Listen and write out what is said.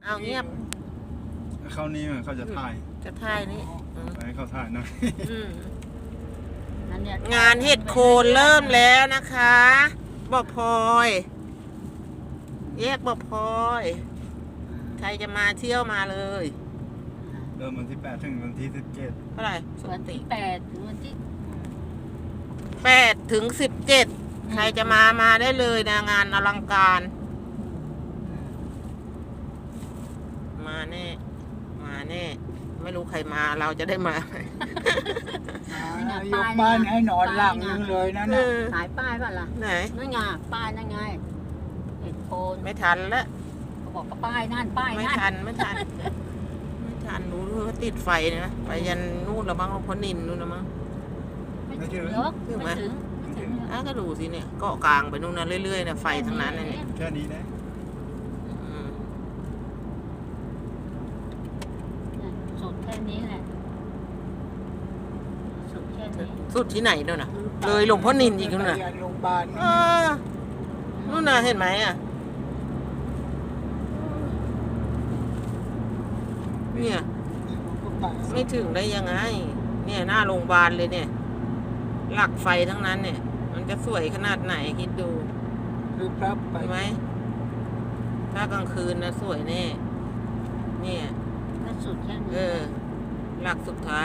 เอาเงียบเขานี้เขาจะถ่ายจะถ่ายนี่ไปให้เขาถ่ายหน่อยงานเห็ดโคนเริ่มแล้วนะคะบ่อพลอยแยกบ่อพลอยใครจะมาเที่ยวมาเลยเริ่มวันที่ 8 ถึงวันที่ 17 เท่าไหร่วันที่8ถึงวันที่ 8 ถึง 17ใครจะมาได้เลยนะงานอลังการมาแน่ไม่รู้ใครมาเราจะได้มายกบ้านให้นอนหลังนึงเลยนะเนี่ยขายป้ายป่ะล่ะไหนนั่นไงป้ายนั่นไงเห็ดโคนไม่ทันแล้วเขาบอกว่าป้ายนั่นป้ายไม่นั่นทันไม่ทันรู้ว่าติดไฟนะไปยันนู่นแล้วมั้งพนินนู่นแล้วมั้งไม่ถึงหรอกถึงไหมไม่ถึงก็ดูสิเนี่ยเกาะกลางไปนู่นนะเรื่อยๆนะไฟทั้งนั้นนะเนี่ยแค่นี้นะอืมสุดแค่นี้แหละสุดแค่นี้สุดที่ไหนนู่นน่ะเลยหลวงพ่อนินอีกนู่นน่ะไปโรงพยาบาลเออนู่นน่ะเห็นไหมอ่ะเนี่ยไม่ถึงได้ยังไง เนี่ยหน้าโรงพยาบาลเลยเนี่ย หลักไฟทั้งนั้นเนี่ย มันจะสวยขนาดไหนคิดดูคือพระไปเห็นไหมถ้ากลางคืนนะสวยแน่เนี่ยก็สุดแค่นี้หลักสุดท้าย